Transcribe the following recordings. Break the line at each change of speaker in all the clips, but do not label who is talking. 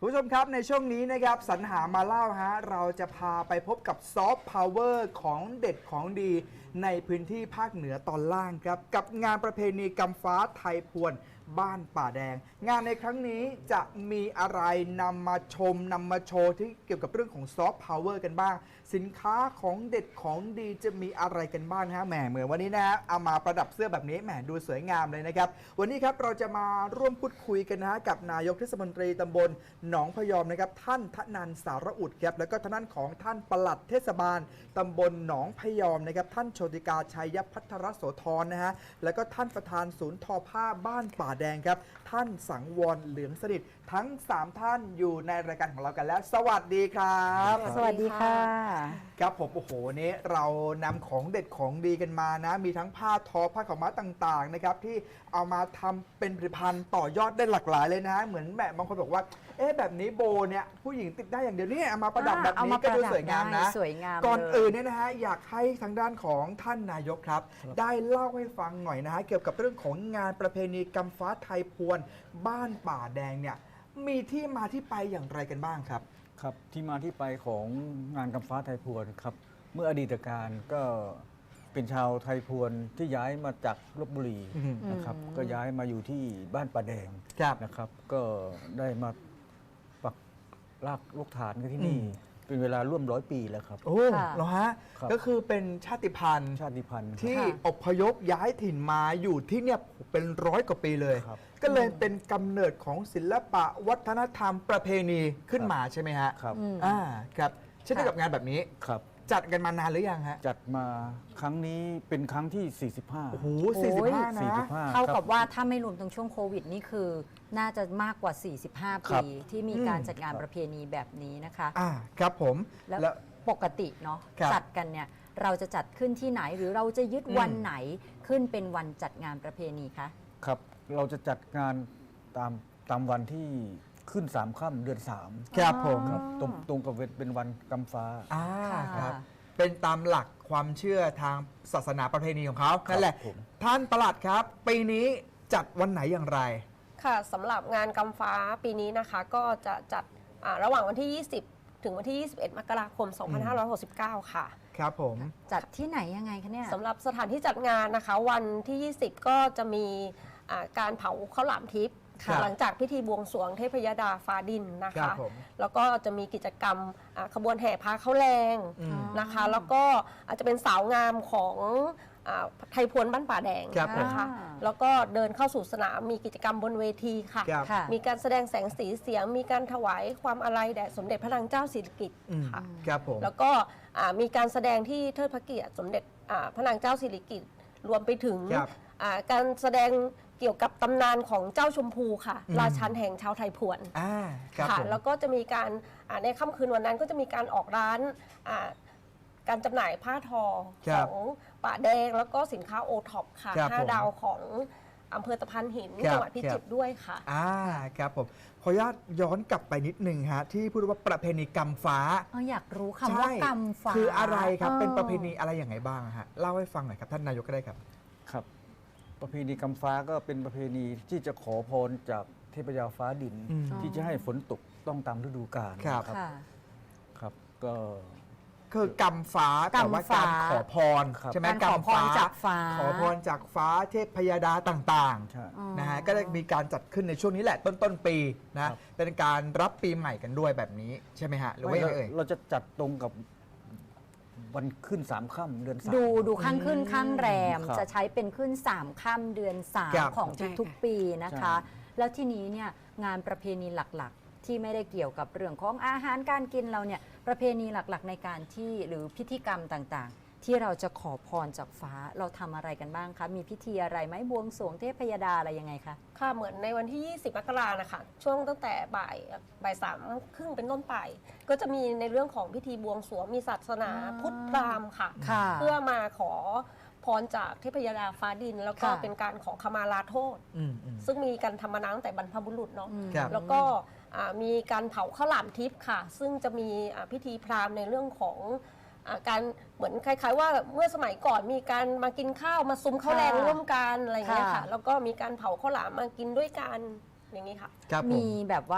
คุณผู้ชมครับในช่วงนี้นะครับสรรหามาเล่าฮะเราจะพาไปพบกับซอฟต์พาวเวอร์ของเด็ดของดีในพื้นที่ภาคเหนือตอนล่างครับกับงานประเพณีกำฟ้าไทยพวนบ้านป่าแดงงานในครั้งนี้จะมีอะไรนำมาชมนำมาโชว์ที่เกี่ยวกับเรื่องของซอฟต์พาวเวอร์กันบ้างสินค้าของเด็ดของดีจะมีอะไรกันบ้างฮะแหมเหมือนวันนี้นะฮะเอามาประดับเสื้อแบบนี้แหมดูสวยงามเลยนะครับวันนี้ครับเราจะมาร่วมพูดคุยกันนะฮะกับนายกเทศมนตรีตำบลหนองพยอมนะครับท่านทนันสารอุดครับแล้วก็ทางด้านของท่านปลัดเทศบาลตำบลหนองพยอมนะครับท่านโชติกาชัยพัทรโสธรนะฮะแล้วก็ท่านประธานศูนย์ทอผ้าบ้านป่าแดงครับท่านสังวรเหลืองสนิททั้ง3ท่านอยู่ในรายการของเรากันแล้วสวัสดีครับ
สวัสดีค่ะ
ครับผมโอ้โหนี้เรานำของเด็ดของดีกันมานะมีทั้งผ้าทอผ้าขาวม้าต่างๆนะครับที่เอามาทำเป็นผลิตภัณฑ์ต่อยอดได้หลากหลายเลยนะเหมือนแบบบางคนบอกว่าเอ๊ะแบบนี้โบเนี่ยผู้หญิงติดได้อย่างเดียวนี่เอามาประดับแบบนี้ก็ดูสวยงามนะ
สวยงาม
ก่อนอื่นเนี่ยนะฮะอยากให้ทางด้านของท่านนายกครับได้เล่าให้ฟังหน่อยนะฮะเกี่ยวกับเรื่องของงานประเพณีกำฟ้าไทยพวนบ้านป่าแดงเนี่ยมีที่มาที่ไปอย่างไรกันบ้างครับ
ครับที่มาที่ไปของงานกำฟ้าไทยพวนครับเมื่ออดีตการก็เป็นชาวไทยพวนที่ย้ายมาจากลพบุรีนะครับก็ย้ายมาอยู่ที่บ้านป่าแดงนะครับก็ได้มาปักรากลูกฐานกันที่นี่เป็นเวลาร่วม100 ปีแล้วครับ
โอ้เหรอฮะก็คือเป็นชาติพันธุ์ที่อพยพย้ายถิ่นมาอยู่ที่เนี่ยเป็น100 กว่าปีเลยก็เลยเป็นกำเนิดของศิลปะวัฒนธรรมประเพณีขึ้นมาใช่ไหมฮะ
ครับ
ครับเช่นเดียวกับงานแบบนี้
ครับ
จัดกันมานานหรือยังฮะ
จัดมาครั้งนี้เป็นครั้งที่45
โอ้โห45นะ
เท่ากับว่าถ้าไม่รวมตรงช่วงโควิดนี่คือน่าจะมากกว่า45 ปีที่มีการจัดงานประเพณีแบบนี้นะคะ
ครับผม
แล้วปกติเนาะจัดกันเนี่ยเราจะจัดขึ้นที่ไหนหรือเราจะยึดวันไหนขึ้นเป็นวันจัดงานประเพณีคะ
ครับเราจะจัดงานตามวันที่ขึ้น3 ค่ำเดือน3
ครับผม
ตรงกับเป็นวันกำฟ้า
ครับเป็นตามหลักความเชื่อทางศาสนาประเพณีของเขานั่นแหละท่านปลัดครับปีนี้จัดวันไหนอย่างไร
ค่ะสำหรับงานกำฟ้าปีนี้นะคะก็จะจัดระหว่างวันที่ 20 ถึงวันที่ 21 มกราคม 2569 ค่ะ
ครับผม
จัดที่ไหนยังไงคะเนี่ย
สำหรับสถานที่จัดงานนะคะวันที่ 20 ก็จะมีการเผาข้าวหลามทิพย์หลังจากพิธีบวงสรวงเทพยดาฟ้าดินนะคะแล้วก็จะมีกิจกรรมขบวนแห่พาข้าวแรงนะคะแล้วก็อาจจะเป็นสาวงามของไทยพวนบ้านป่าแดงนะคะแล้วก็เดินเข้าสู่สนามมีกิจกรรมบนเวทีค่ะมีการแสดงแสงสีเสียงมีการถวายความอาลัยแด่สมเด็จพระนางเจ้าสิริกิติ์ค่ะแล้วก็มีการแสดงที่เทิดพระเกียรติสมเด็จพระนางเจ้าสิริกิติ์รวมไปถึงการแสดงเกี่ยวกับตำนานของเจ้าชมพูค่ะราชันแห่งชาวไทยพวนค่ะแล้วก็จะมีการในค่ำคืนวันนั้นก็จะมีการออกร้านการจำหน่ายผ้าทอของป่าแดงแล้วก็สินค้าโอท็อปค่ะ5 ดาวของอำเภอตะพานหินจังหวัดพิจิตรด้วยค่ะ
ครับผมขออนุญาตย้อนกลับไปนิดนึงฮะที่พูดว่าประเพณีกำฟ้า
อยากรู้คำว่ากำฟ้า
คืออะไรครับเป็นประเพณีอะไรอย่างไรบ้างฮะเล่าให้ฟังหน่อยครับท่านนายกก็ได้ครับ
ครับประเพณีกำฟ้าก็เป็นประเพณีที่จะขอพรจากเทพยาฟ้าดินที่จะให้ฝนตกต้องตามฤดูกาลครับก็
คือกำฟ้าแต่ว่าการขอพรใช่ไหม
กำฟ้า
ขอพรจากฟ้าเทพยดาต่างๆนะฮะก็ได้มีการจัดขึ้นในช่วงนี้แหละต้นปีนะเป็นการรับปีใหม่กันด้วยแบบนี้ใช่ไหมฮะหรือว่ายังไง
เราจะจัดตรงกับวันขึ้น3 ค่ำเดือน3
ดูข้างขึ้นข้างแรมจะใช้เป็นขึ้น3 ค่ำเดือน3ของทุกๆปีนะคะแล้วที่นี้เนี่ยงานประเพณีหลักๆที่ไม่ได้เกี่ยวกับเรื่องของอาหารการกินเราเนี่ยประเพณีหลักๆในการที่หรือพิธีกรรมต่างๆที่เราจะขอพรจากฟ้าเราทำอะไรกันบ้างคะมีพิธีอะไรไหมบวงสรวงเทพยดาอะไรยังไงคะ
ค่ะเหมือนในวันที่ 20 มกราคมนะคะช่วงตั้งแต่บ่าย3 ครึ่งเป็นต้นไปก็จะมีในเรื่องของพิธีบวงสรวงมีศาสนาพุทธพราหมณ์ค่ะเพื่อมาขอพรจากเทพยดาฟ้าดินแล้วก็เป็นการขอขมาลาโทษซึ่งมีการทำมาตั้งแต่บรรพบุรุษเนาะแล้วก็มีการเผาข้าวหลามทิพย์ค่ะซึ่งจะมีพิธีพราหมณ์ในเรื่องของการเหมือนคล้ายๆว่าเมื่อสมัยก่อนมีการมากินข้าวมาซุ้มข้าวแรงร่วมกันอะไรอย่างเงี้ยค่ะแล้วก็มีการเผาข้าวหลามมากินด้วยกันอย่างนี้ค่ะ
มีแบบว่า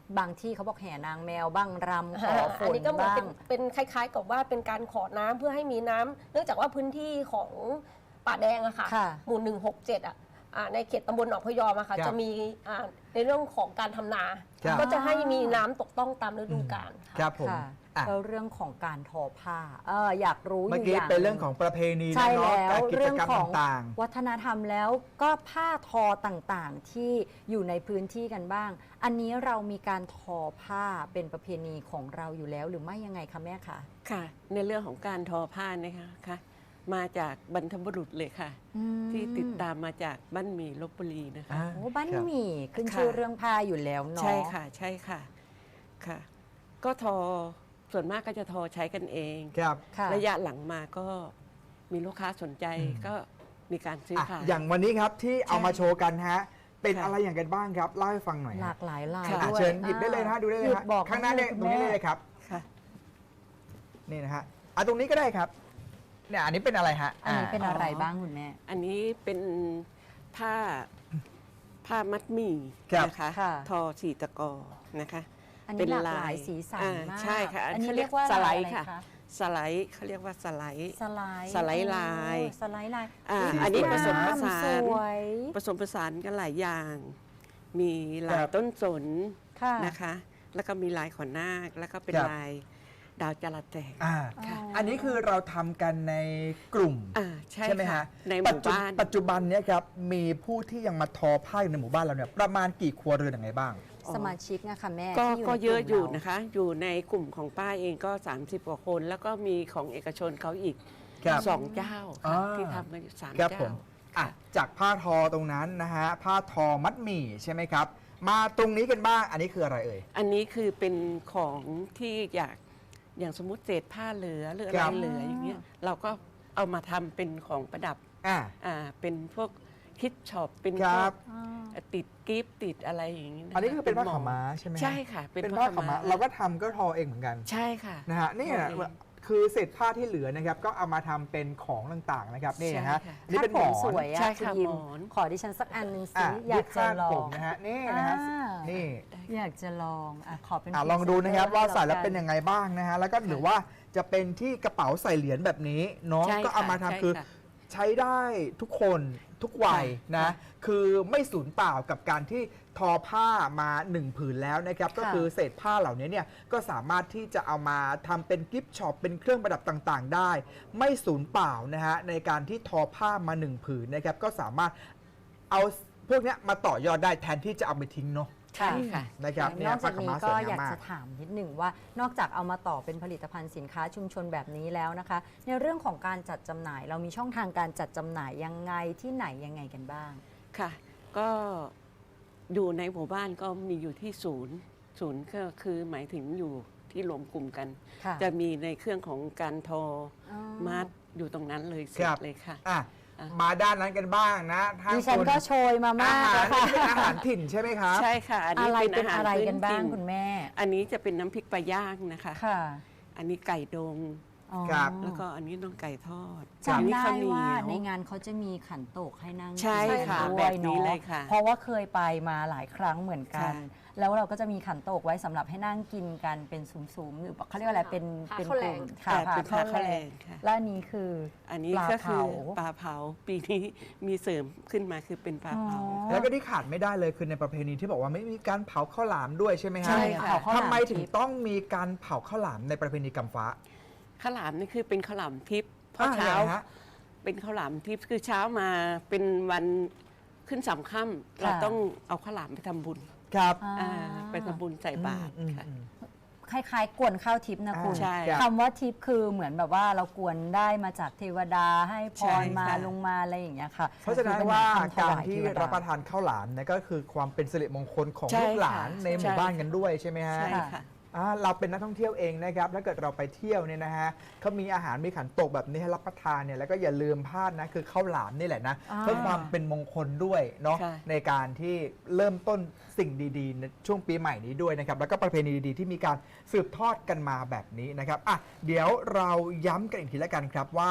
บางที่เขาบอกแห่นางแมวบ้างรำขอฝ
อัน
น
นี้ก็เหมือน
บ้าง
เป็นคล้ายๆ กับว่าเป็นการขอน้ำเพื่อให้มีน้ำเนื่องจากว่าพื้นที่ของป่าแดงอะค่ะ
ค่ะ
หมู่ 167อะในเขตตำบลหนองพะยอมอะค่ะ
ครับ
จะมีในเรื่องของการทำนา
ครับ
ก็จะให้มีน้ำตกต้องตามฤดูกาล
ค
ค่ะ
รับผม
ค่ะ
อ่ะ
แล้วเรื่องของการทอผ้าอยากรู้อ
เมื่อยู่ กี้
อย่าง
เป็นเรื่องของประเพณี
ใช่
นะเนาะ
แล้
กาว รกิจ
เรื่อง
กรรม
ของ
ต่าง
วัฒนธรรมแล้วก็ผ้าทอต่างๆที่อยู่ในพื้นที่กันบ้าง อันนี้เรามีการทอผ้าเป็นประเพณีของเราอยู่แล้วหรือไม่ยังไงคะแม่คะ
ค่ะในเรื่องของการทอผ้านะคะค่ะมาจากบรรพบุรุษเลยค่ะ ที่ติดตามมาจากบ้านหมี่ลพบุรีนะคะ
โอ้บ้าน
ครับ
หมี่ขึ้น
ค่ะ
ชื่อเรื่องผ้าอยู่แล้วเนาะ
ใช่ค่ะใช่ค่ะค่ะ ก็ทอส่วนมากก็จะทอใช้กันเอง
ครับ
ค่ะ
ระยะหลังมาก็มีลูกค้าสนใจ
อืม
ก็มีการซื้อ
อ่ะ
ขาย
อย่างวันนี้ครับที่เอามาโชว์กันฮะ เป็น
ค่ะ
อะไรอย่างกันบ้างครับ เล่าให้ฟังหน่อย
ห
ฮะ
ลากหลายลาย
ค่ะ
อ่ะ
ด้วย
เชิญหยิบได้เลยนะฮะดูได้เลย
หยิ
ฮะ
บบอก
ข้างหน้าเนี่ย
คุณ
ตรงนี้
แม่
เลยครับ
ค่ะ
นี่นะฮะตรงนี้ก็ได้ครับเนี่ยอันนี้เป็นอะไรฮะ
อันนี้เป็น
อ๋ออ
อะไรบ้างคุณแม่
อันนี้เป็นผ้ามัดหมี่
ครับ
นะคะ
ค่ะ
ทอสีตะกอนะคะ
อัน
เป็
นี้
น
หลากหลาย
ลาย
สีสัน
อ่าม
มาก
ใช่ค่ะ
อันนี้
เขาเรี
เรี
ย
ย
ก
กว่า
สไล
ลาย
ด์
อะไร
ค่ะ
คะ
สไลด์เขาเรียกว่าสไลด์
สไลด์
สไลด์ลาย
สไลด์ลาย
อ่า
ย
อันนี้ผสมผสาน
สวย
ผสมผสานกันหลายอย่าง มีลา
ค
ย
รับ
ต้นสน
ค่ะ
นะคะ แล้วก็มีลายขอนนาค แล้วก็เป็น
ครับ
ลายดาวจระแตก
อ่า
ค่ะ
อันนี้คือเราทำกันในกลุ่ม
ใช่
ไหม
ค่ะ
ฮะ
ในหมู่บ้าน
ปัจจุบันเนี้ยครับมีผู้ที่ยังมาทอผ้าอยู่ในหมู่บ้านเราเนี่ยประมาณกี่ครัวเรือนอย่างไรบ้าง
สมาชิกนะคะแม่
ก็
ที่
ก็
ใน
เยอะ
กลุ่ม
อยู่
รา
นะคะ อยู่ในกลุ่มของป้าเองก็ 30 กว่าคน แล้วก็มีของเอกชนเขาอีก
ครับ
2 เจ้า
อ่า
ค่ะที่ทำมาอยู่3
ครับผ
เจ้า
มอ่ะจากผ้าทอตรงนั้นนะฮะผ้าทอมัดหมี่ใช่ไหมครับ มาตรงนี้กันบ้างอันนี้คืออะไรเอ่ย
อันนี้คือเป็นของที่อย่างสมมติเศษผ้าเหลือหรืออะ
ค
ไร
รับ
เหลืออย่างเงี้ยเราก็เอามาทำเป็นของประดับ
อ่า
เป็นพวกคิดช็อปเป็น
ค
พ
รั
ว
บ
กติดกิฟต์ติดอะไรอย่างงี้ะะ
อันนี้คือเป็นผ้า
ห
ขาวม้าใช่ไหมฮะ
ใช่ค่ะ
เป็นผ้าขาวม้าเราก็ทำก็ทอเองเหมือนกัน
ใช่ค่ะ
นะฮะนี่
ทอเอง
คือเศษผ้าที่เหลือนะครับก็เอามาทำเป็นของต่างๆนะครับนี่นะฮะ
ใช่ค่ะ
นี่เป็นหมอ
คาดผมส
น
วยอะ
ใช่
คุณ
ค่ะ
ยิม
หมอน
ขอดิฉันสักอันหนึ่งสิ
อ่ะ
อยากจะ
คาด
ลอ
ผ
ง
มนะฮะนี่นะฮะ
อ่า
นี่
อยากจะลองขอเป็น
ลองดูนะครับว่าใส่แล้วเป็น
ไง
ยังไงบ้างนะฮะแล้วก็หรือว่าจะเป็นที่กระเป๋าใส่เหรียญแบบนี้เนาะ
ใช่
ก็เอามา
ค่ะ
ทำ
ใช่
คือ
ค่ะ
ใช้ได้ทุกคนทุกวัย
ค่ะ
นะ
ค่ะ
คือไม่สูญเปล่ากับการที่ทอผ้ามา1ผืนแล้วนะครับก็คือเศษผ้าเหล่านี้เนี่ยก็สามารถที่จะเอามาทำเป็นกิฟต์ช็อปเป็นเครื่องประดับต่างๆ ได้ ไม่สูญเปล่านะฮะในการที่ทอผ้ามา1ผืนนะครับก็สามารถเอาพวกเนี้ยมาต่อยอดได้แทนที่จะเอาไปทิ้งเนาะ
ใช่ค่ะ
นะครับ
นอกจาก
ผ้ขว
นี้
ม้
ก็
สว
อยาก
ม
จะถามนิดหนึ่งว่านอกจากเอามาต่อเป็นผลิตภัณฑ์สินค้าชุมชนแบบนี้แล้วนะคะ ในเรื่องของการจัดจำหน่าย เรามีช่องทางการจัดจำหน่ายยังไงที่ไหนยังไงกันบ้าง
ค่ะ ก็อยู่ในหมู่บ้านก็มีอยู่ที่ศูนย์ก็คือหมายถึงอยู่ที่รวมกลุ่มกัน
ค่ะ
จะมีในเครื่องของการทอ
อ๋อ
มัดอยู่ตรงนั้นเลยเสร็
ค
จ
รับ
เลยค่ะ
อ่ะ
อ่ะ
มาด้านนั้นกันบ้างนะทาง
ดิฉัน
โซ
ก็โชยมามาก
อาหาร
แล้วค่ะ
เป็นอาหารถิ่นใช่ไหมครับ
ใช่ค่ะ อันนี้
อะไร
เป็น
เป็น
อาหาร
อะไร
พื้
กันบ้าง
ถิ่
คุณแม่
อันนี้จะเป็นน้ำพริกปลาย่างนะคะ
ค่ะ
อันนี้ไก่ดง
อ๋อ
ครับ
แล้วก็อันนี้น้องไก่ทอด
จำ
อันนี้
ได้
ข้าวเหนี
ว่า
ยว
ในงานเขาจะมีขันโตกให้นั่ง
ใช่
กิน
ค่ะ
ด้วย
แบบนี้
เนาะ
เลยค่ะ
เพราะว่าเคยไปมาหลายครั้งเหมือนกัน
ใช่
แล้วเราก็จะมีขันโตกไว้สำหรับให้นั่งกินกันเป็นซุ้มๆหรือเขาเรียกว่าอะไรเป็น
พา
เป็น
ข้าว
ก
แล
ลุ่
ง
มค่ะ
แต่เป็น
ข้าว
ข้าว
แร
แรง งค่ะ
และอันนี้คือ
อันนี้
ปลา
ก็คือ
เผา
ปลาเผาปีนี้มีเสริมขึ้นมาคือเป็นปลาเผา
อ๋อ
แล้วก็ที่ขาดไม่ได้เลยคือในประเพณีที่บอกว่าไม่มีการเผาข้าวหลามด้วยใช่ไหมฮะ
ใช่ค่ะ
เผาข้าวหลาม
ทำไมถึง
ทิพย์
ต้องมีการเผาข้าวหลามในประเพณีกำฟ้า
ข้าวหลามนี่คือเป็นข้าวหลามทิพย์เพราะ
อ่
เช้า
ยังไงฮะ
เป็นข้าวหลามทิพย์คือเช้ามาเป็นวันขึ้นสามค่ำเราต้องเอาข้าวหลามไปทำบุญ
ครับ
อ่า
ไปทำบุญใส่บาตรค่ะ
คล้ายๆกวนข้าวทิพย์นะคุณ
ใช่
ครับ
คำว่าทิพย์คือเหมือนแบบว่าเรากวนได้มาจากเทวดาให้พ
ใช่
รมา
ค่ะ
ลงมาอะไรอย่างเงี้ยค่ะ
เพราะฉะนั้น
คือป็
ว่า
คำถ
การ
ย
ที่
เทวด
รับประทานข้าวหลามเนี่ยก็คือความเป็นสิริมงคลของ
ใช่
ลูกหลาน
ค่ะ
ในหมู่
ใช่
บ้านกันด้วยใช่ไหมฮะ
ใช่ค่ะ
เราเป็นนักท่องเที่ยวเองนะครับถ้าเกิดเราไปเที่ยวเนี่ยนะฮะเขามีอาหารมีขันโตกแบบนี้ให้รับประทานเนี่ยแล้วก็อย่าลืมพลาดนะคือข้าวหลามนี่แหละนะ
อ่า
เพื่อความเป็นมงคลด้วยเนาะ
ใช่
ในการที่เริ่มต้นสิ่งดีๆในช่วงปีใหม่นี้ด้วยนะครับแล้วก็ประเพณีดีๆที่มีการสืบทอดกันมาแบบนี้นะครับอ่ะเดี๋ยวเราย้ำกันอีกทีละกันครับว่า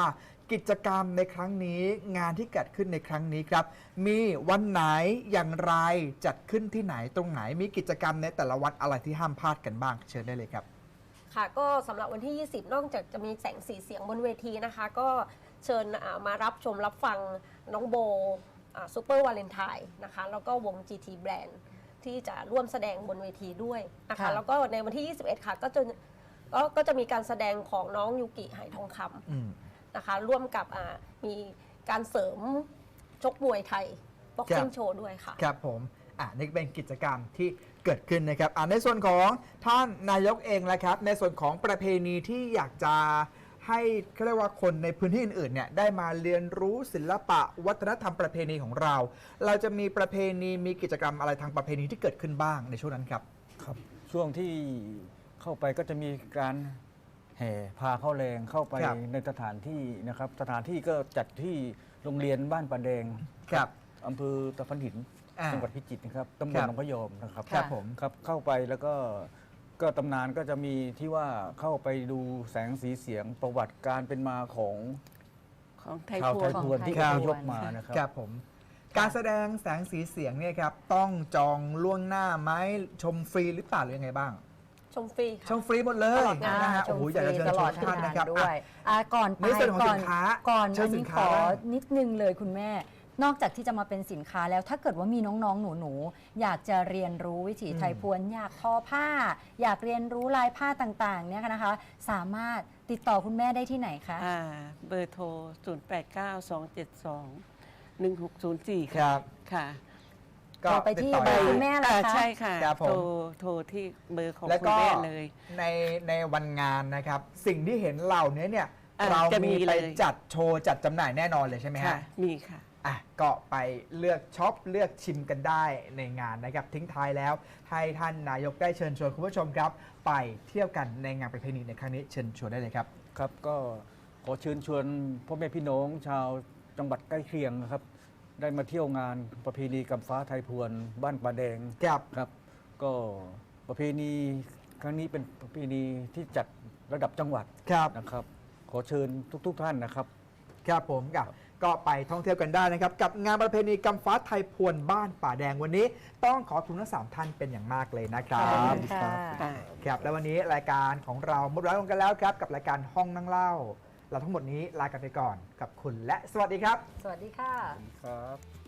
กิจกรรมในครั้งนี้งานที่เกิดขึ้นในครั้งนี้ครับ มีวันไหนอย่างไรจัดขึ้นที่ไหนตรงไหนมีกิจกรรมในแต่ละวันอะไรที่ห้ามพลาดกันบ้างเชิญได้เลยครับ
ค่ะก็สำหรับวันที่ 20 นอกจากจะมีแสงสีเสียงบนเวทีนะคะ ก็เชิญมารับชมรับฟังน้องโบซูเปอร์วาเลนไทน์นะคะแล้วก็วง GT Brand ที่จะร่วมแสดงบนเวทีด้วยนะคะ
ค่ะ
แล้วก็ในวันที่ 21 ค่ะก็จะมีการแสดงของน้องยูกิไหทองคำนะคะร่วมกับมีการเสริมชกมวยไทยบ็อกซิ่งโชว์ด้วยค่ะ
ครับผมนี่เป็นกิจกรรมที่เกิดขึ้นนะครับในส่วนของท่านนายกเองแหละครับ ในส่วนของประเพณีที่อยากจะให้เขาเรียกว่าคนในพื้นที่อื่นๆเนี่ยได้มาเรียนรู้ศิลปะวัฒนธรรมประเพณีของเรา เราจะมีประเพณีมีกิจกรรมอะไรทางประเพณีที่เกิดขึ้นบ้างในช่วงนั้นครับ
ครับช่วงที่เข้าไปก็จะมีการแห่พาเข้าแรงเข้าไป
ครับ
ในสถานที่นะครับสถานที่ก็จัดที่โรงเรียนบ้านป่าแดง
ครับ
อำเภอตะพันหิน
อ่า
จังหวัดพิจิตรนะครับตำบ
ครั
ล
บ
หนองพะยอมนะครับ
ครับผม
ครับเข้าไปแล้วก็ตำนานก็จะมีที่ว่าเข้าไปดูแสงสีเสียงประวัติการเป็นมาของ
ของไทย
ชาว
พ
ไท
วย น
พวนที่
ครั
อบ พยพมานะครับ
ครับผมการแสดงแสงสีเสียงเนี่ยครับต้องจองล่วงหน้าไหมชมฟรีหรือเปล่าหรือยังไงบ้าง
ชมฟรีค่ะ
ชมฟรีหมดเลย
ตลอดงาน
นะฮะ
ช
โอ้
ม
โห
ฟ
อยากจะ
รี
เชิญ
ต
ช
ลอ
ว
ด
น
ทั้
ท่าน
งงา
นะ
น
ครับ
ด้วยก่อนไป
ในส่วนของ
ก่
สินค้า
ก่อน
เชิญ
อัน
สิ
นี้
น
ข
ค้า
อ
บ้าง
นิดนึงเลยคุณแม่ นอกจากที่จะมาเป็นสินค้าแล้วถ้าเกิดว่ามีน้องๆหนูๆอยากจะเรียนรู้วิถีไทยพวนอยากทอผ้า อยากเรียนรู้ลายผ้าต่างๆเนี่ยนะคะ สามารถติดต่อคุณแม่ได้ที่ไหนคะ
เบอร์โทร 0892721604
ครั
ค่ะ
บ
ค่ะ
ก็
โทรไปที่
ติดต่อ
เบอร์
ได้
คุณแม่ล่ะคะ
ใช่ค่ะ
ครับผม
โทรที่เบอร์ของ
แล้ว
คุณ
ก็
แม่เลย
ในวันงานนะครับ สิ่งที่เห็นเหล่านี้เนี่ย เรา
จะมี
มีไป
เลย
จัดโชว์จัดจำหน่ายแน่นอนเลยใช่ไหม
ค่ะ
ฮะ
มีค่ะ
ก็ไปเลือกช็อปเลือกชิมกันได้ในงานนะครับทิ้งท้ายแล้วให้ท่านนายกได้เชิญชวนคุณผู้ชมครับ ไปเที่ยวกันในงานประเพณีในครั้งนี้เชิญชวนได้เลยครับ
ครับก็ขอเชิญชวนพ่อแม่พี่น้องชาวจังหวัดใกล้เคียงนะครับ ได้มาเที่ยวงานประเพณีกำฟ้าไทยพวนบ้านป่าแดง
ครับ
ครับ ก็ประเพณีครั้งนี้เป็นประเพณีที่จัดระดับจังหวัด
ครับ
นะครับ ขอเชิญทุกท่านนะครับ
ครับผมก็ไปท่องเที่ยวกันได้นะครับ กับงานประเพณีกำฟ้าไทยพวนบ้านป่าแดงวันนี้ ต้องขอบคุณทั้ง3ท่านเป็นอย่างมากเลยนะครั
ขอบ
บ
คุณค่ะ
ครับและวันนี้รายการของเราหมดเวลาลงกันแล้วครับ กับรายการห้องนั่งเล่า เราทั้งหมดนี้ลากันไปก่อนกับคุณและสวัสดีครับ
สวัสดีค่ะ
ครับ